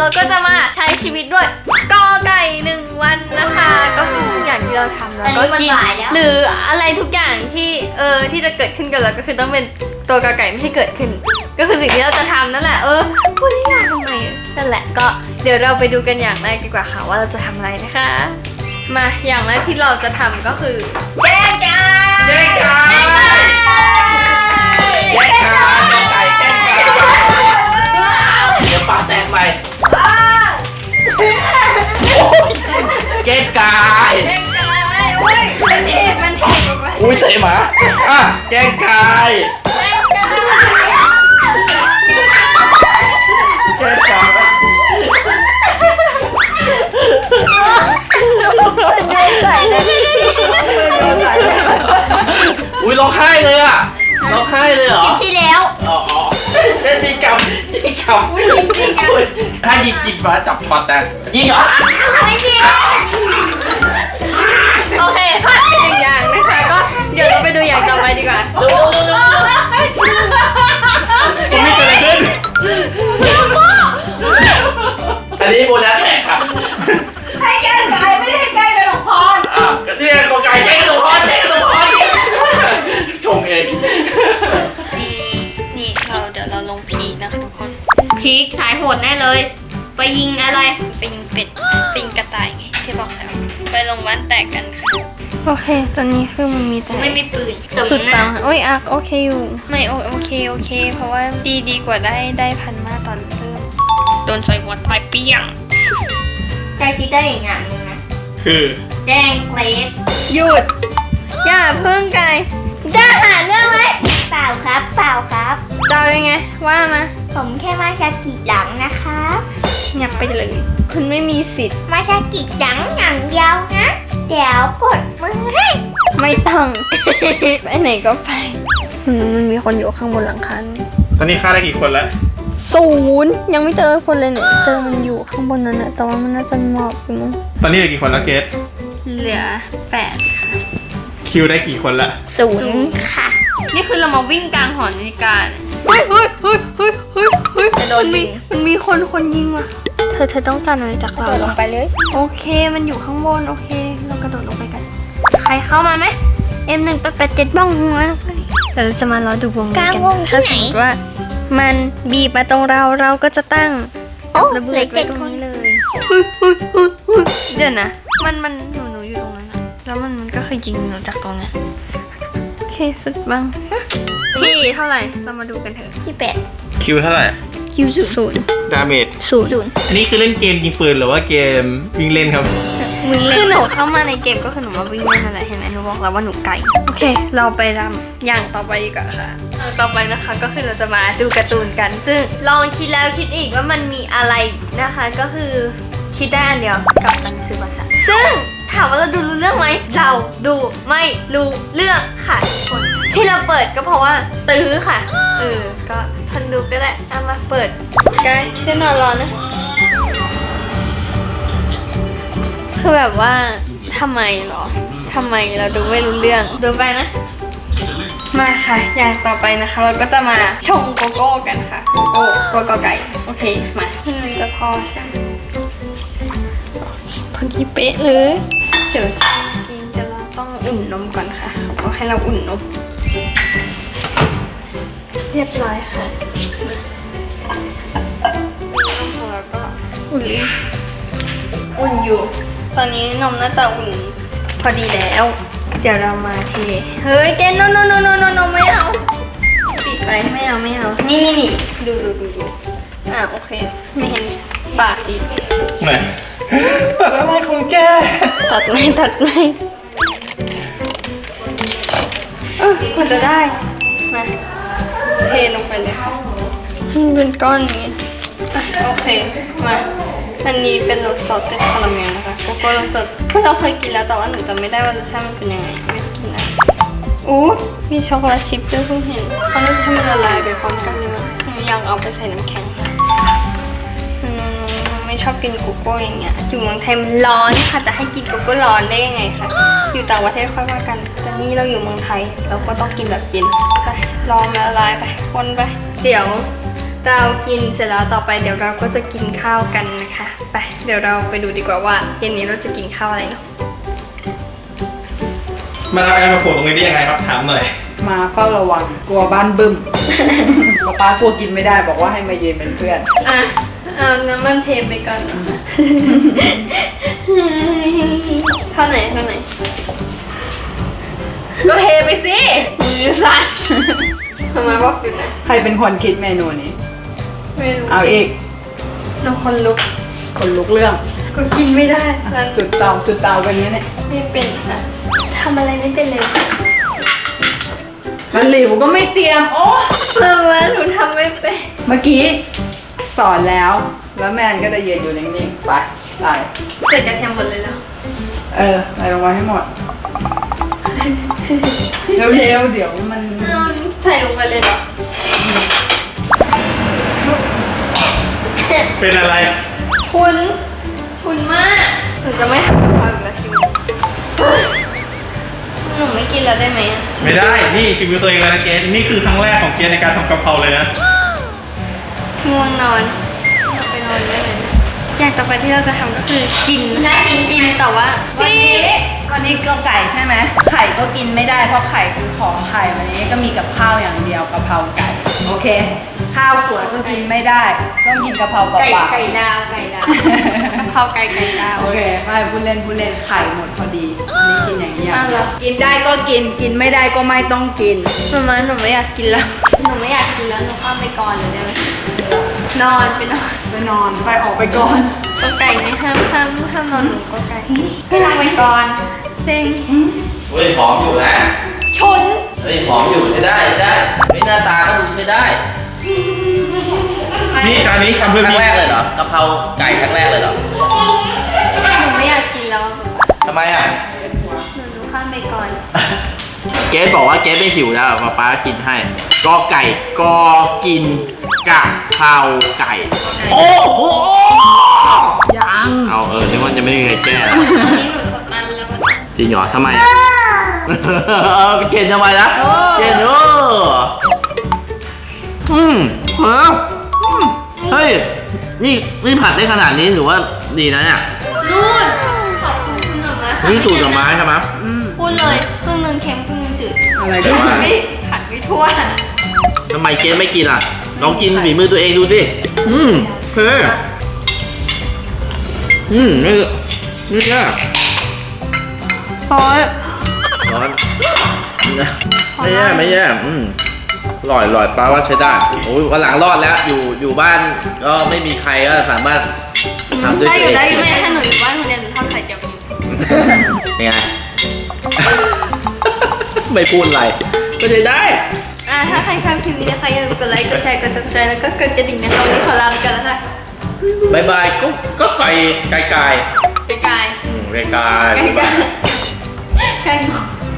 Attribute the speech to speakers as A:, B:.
A: ก็จะมาใช้ชีวิตด้วยกอไก่1 วันนะคะก็คือทุกอย่างที่เราทำแล้วก็กินหรืออะไรทุกอย่างที่ที่จะเกิดขึ้นกับเราก็คือต้องเป็นตัวกอไก่ไม่ใช่เกิดขึ้นก็คือสิ่งที่เราจะทำนั่นแหละพูดได้ยากทำไมนั่นแหละก็เดี๋ยวเราไปดูกันอย่างแรกดีกว่าค่ะว่าเราจะทำอะไรนะคะมาอย่างแรกที่เราจะทำก็คือ
B: แกงไก่แกงไก่เดี๋ยวปลาแตกใหม่แกงไก่
A: อุ้ยมันเทออกมา
B: อุ้ยเตะหมาแกงไก่แกงไก่อุ้ยร้องไห้เลยอ่ะร้องไห้เลยเหรอ
A: ที่แล้ว
B: อ๋อเล่นยิงกับ
A: อุ้ยจริงๆอ่ะ
B: ถ้ายิงมาจับช็อตแต่ยิงเหรอ
A: ไม่ยิงโอเคพลาดไป1 อย่างนะคะก็เดี๋ยวเราไปดูอย่างต่อไปดีกว่า
B: ดูไม่เกิดอะไรขึ้นอันนี้โบนัสแตกค่ะ
C: ให้แกงไก่ไม่ได้ให้แกงกระดูกพร
B: เนี่ยกอไก่แกงกระดูกพรชงเอง
A: นี่เดี๋ยวเราลงพีนะคะทุกคนพีคสายโหดแน่เลยไปยิงอะไรไปยิงเป็ดไปยิงกระต่ายไงที่บอกแล้วไปลงบ้านแตกกันค่ะโอเคตอนนี้คือมันมีแต่ไม่มีปืนสุดปังโอ้ยโอเคอยู่ไม่โอเคเพราะว่าดีกว่าได้พันมาตอนเริ่มโดนซอยหัวตายเปี้ยง
C: ใจคิดได้อีกอย่างนึงนะ
B: คือ
C: แกงเกรด
A: หยุดอย่าพึ่งไก่จะหาเรื่องไหม
C: เปล่าครับ
A: จะยังไงว่ามา
C: ผมแค่มาชากิหลังนะคะ
A: อยากไปเลยคุณไม่มีสิทธิ์
C: มาชากิหลังอย่างเดียวนะเดี๋ยวกดมือให้
A: ไม่ต้อง ไปไหนก็ไปมันมีคนอยู่ข้างบนหลังคา
B: ตอนนี้ฆ่าได้กี่คนแล้ว
A: 0ยังไม่เจอคนเลยเนี่ยเจอมันอยู่ข้างบนนั้นนะแต่ว่ามันน่าจะหมอบอยู่มั้ง
B: ตอนนี้เหลือกี่คนแล้วเกส
A: เหลือ8ค่ะ
B: คิวได้กี่คนละ
C: 0ค่ะ
A: นี่คือเรามาวิ่งกลางหอนาฬิกาเฮ้ยมันมีคนยิงว่ะเธอต้องการอะไรจากเรา
C: ลงไปเลย
A: โอเคมันอยู่ข้างบนโอเคเรากระโดดลงไปกันใครเข้ามาไหม M1887บ้องหัวแต่เราจะมารอดูวงกันถ้าสมมติว่ามันบีบมาตรงเราก็จะตั้งระเบิดไว้ตรงนี้เลยเดี๋ยวนะมันหนูอยู่ตรงนั้นแล้วมันก็เคยยิงหนูจากตรงนี้โอเคสุดบ้างที่เท่าไหร่เรามาดูกันเถอะ
C: ที่8
B: คิวเท่าไหร่
C: คิว
B: ดาเมจ
A: 0
B: อันนี้คือเล่นเกมยิงปืนหรือว่าเกมวิ่งเล่นครับ
A: คือหนูเข้ามาในเกมก็คือหนูมาวิ่งเล่นนั่นแหละเห็นไหมหนูบอกแล้วว่าหนูไก่โอเคเราไปรำอย่างต่อไปดีกว่าค่ะต่อไปนะคะก็คือเราจะมาดูการ์ตูนกันซึ่งลองคิดแล้วคิดอีกว่ามันมีอะไรนะคะก็คือคิดได้อันเดียวกับหนังสือภาษาซึ่งถามว่าเราดูรู้เรื่องไหมเราดูไม่รู้เรื่องค่ะทุกคนที่เราเปิดก็เพราะว่าตื้อค่ะก็ทนดูก็ได้เอามาเปิดกันจะนอนรอนะคือแบบว่าทำไมเราดูไม่รู้เรื่องดูไปนะมาค่ะอย่างต่อไปนะคะเราก็จะมาชงโกโก้กันค่ะโกโก้ตัวกอไก่โอเคมามันจะพอใช่ไหมพอดีเป๊ะเลยเดี๋ยวกินแต่เราต้องอุ่นนมก่อนค่ะเขาให้เราอุ่นนมเรียบร้อยค่ะแล้วก็อุ่นอยู่ตอนนี้นมน่าจะอุ่นพอดีแล้วเดี๋ยวเรามาทีเฮ้ยเกนโนไม่เอาปิดไปไม่เอานี่ดูโอเคไม่เห็นปากอีก
B: ไหนตัดอะไรของแก
A: ตัดไม่กว่าจะได้มาเทลงไปเลยเป็นก้อนนี้โอเคมาอันนี้เป็นรสซอสเต็มคาราเมลนะคะโกโก้รสสดเราเคยกินแล้วแต่ว่าหนูจำไม่ได้ว่ารสชาติมันเป็นยังไงไม่ได้กินนะมีช็อกโกแลตชิพด้วยเพิ่งเห็นเขาน่าจะให้มันละลายไปพร้อมกันเลยมั้งหนูอยากเอาไปใส่น้ำแข็งค่ะไม่ชอบกินโกโก้อย่างเงี้ยอยู่เมืองไทยมันร้อนค่ะแต่ให้กินโกโก้ร้อนได้ยังไงคะอยู่ต่างประเทศค่อยว่ากันแต่นี่เราอยู่เมืองไทยเราก็ต้องกินแบบเย็นไปลองละลายไปคนไปเดี๋ยวเรากินเสร็จแล้วต่อไปเดี๋ยวเราก็จะกินข้าวกันนะคะไปเดี๋ยวเราไปดูดีกว่าว่าเย็นนี้เราจะกินข้าวอะไรเนาะ
B: มาเอาแอร์มาโผล่ตรงนี้ได้ยังไงครับถามหน่อย
D: มาเฝ้าระวังกลัวบ้านบึ้ม ป๊ากลัวกินไม่ได้บอกว่าให้มายืนเป็นเพื่อน
A: อ่ะเอาน้ำมันเทไปก่อนเท่าไหน
D: ก็เทไปสิ
A: มือสั่นทำไมบอกอยู่นะ
D: ใครเป็นคนคิดเมนูนี้
A: ไม่รู้
D: เอาอีก
A: น้ำคนลุก
D: คนลุกเรื่อง
A: ก็กินไม่ได้นั่น
D: จุดเตาเป็นไงเนี่ย
A: ไม่เป็นค่ะทำอะไรไม่เป็นเลย
D: มันหลิวก็ไม่เตรียมโอ้
A: ว่าหนูทำไม่เป็น
D: เมื่อกี้สอนแล้วแมนก็จะยืนอยู่นิ่งๆไปไป
A: ใส่กระเทียมหมดเลยแล้ว
D: ใส่ลงไปให้หมด เร็วๆเดี๋ยวมัน
A: ใส่ลงไปเลยเหรอ
B: เป็นอะไร
A: คุณมากหนูจะไม่ทำกับข้าวอีกแล้วทีนี้หนูไม่กินแล้วได้ไหมอะ
B: ไม่ได้ นี่ฝีมือตัวเองเลยนะเกสนี่คือครั้งแรกของเกสในการทำกะเพราเลยนะ
A: ง่วงนอนอยากไปนอนได้ไหมนะอย่างต่อไปที่เราจะทำก็คือกินแต่ว่า
D: วันนี้ก็ไก่ใช่ไหมไข่ก็กินไม่ได้เพราะไข่คือของไข่วันนี้ก็มีกับข้าวอย่างเดียวกะเพราไก่โอเค ข้าวสวยก็กินไม่ได้ต้องกินกะเพราเปล่าๆ
A: ไก่ดาวกะเพราไก่ดาว
D: โอเคไม่พูดเล่นไข่หมดพอดีอันนี้กินอย่างนี้อย่าง
A: อ้าวเหรอ
D: กินได้ก็กินกินไม่ได้ก็ไม่ต้องกิน
A: มาหนูไม่อยากกินแล้วหนูข้ามไปก่อนเลยได้ไหมนอนไปนอน
D: ไปนอนไปออกไปก่อน
A: ก็ไก่ไม่ห้ามนอนหนูก็ไก่ก็นอนไปก่อนเซ็ง
E: เฮ้ยผอมอยู่นะ
A: ชน
E: เฮ้ยผอมอยู่ใช้ได้ไม่หน้าตาก็ดูใช้ได้
B: นี่จานนี้ทำเพื่อ
E: ครั้ง
B: พี่
E: แรกเลยเหรอกะเพราไก่ครั้งแรกเลยเหรอ
A: หนูไม่อยากกินแล้ว
E: ทำไมอ่ะ
A: หนูข้ามไปก่อน
E: เจ๊บอกว่าเจ๊ไม่หิวแล้วป๊ากินให้กอไก่กอกินกะเพราไก่ โอ้โห
D: ยัง
E: เอานึกว่าจะไม่มีใครแก้แล้ว
A: ตอนนี้หนูสตันแล้ว
E: จริงเหรอทำไมเกณฑ์ทำไมนะเกณฑ์เฮ้ยนี่ผัดได้ขนาดนี้ถือว่าดีนะเนี่ย
A: นู่นขอบคุณคุณหนูนะคะ
E: นี่สูตรกับไม้ใช่ไหม
A: พูดเลยครึ่งหนึงเค็มครึ่งหนึงจืด
D: อะไร
E: แต่
D: ก็
E: ว่า
A: ไม่ผัดไม่ทั่ว
E: ทำไมเจ๊ไม่กินอ่ะลองกินฝีมือตัวเองดูสิเฮ้ยนี่แค่
A: โอ้ย
E: ร้อนไม่แย่อร่อยป้าว่าใช้ได้โอ้ยวันหลังรอดแล้วอยู่บ้านก็ไม่มีใครก็สามารถทำด้วย
A: ได้
E: ตัว
A: อ
E: เอยู่ ง
A: ได้ไม่ถ้าหนูอยู่บ้านคนเดียวหนูทอดไข่เจียวกิน
E: เป็นไง ไม่พูดอะไรก็ใช้ได้
A: ถ้าใครชอบคลิปนี้นะคะอย่าลืมกดไลค์กดแชร์กด subscribe แล้วก็กดกระดิ่งนะคะวันนี้ขอลาไปกันแล้วค่ะ
E: บายบายก็ไก่
A: ไกล
E: ไก่
A: ๆ
E: ไก่
A: ไกลๆไกลๆ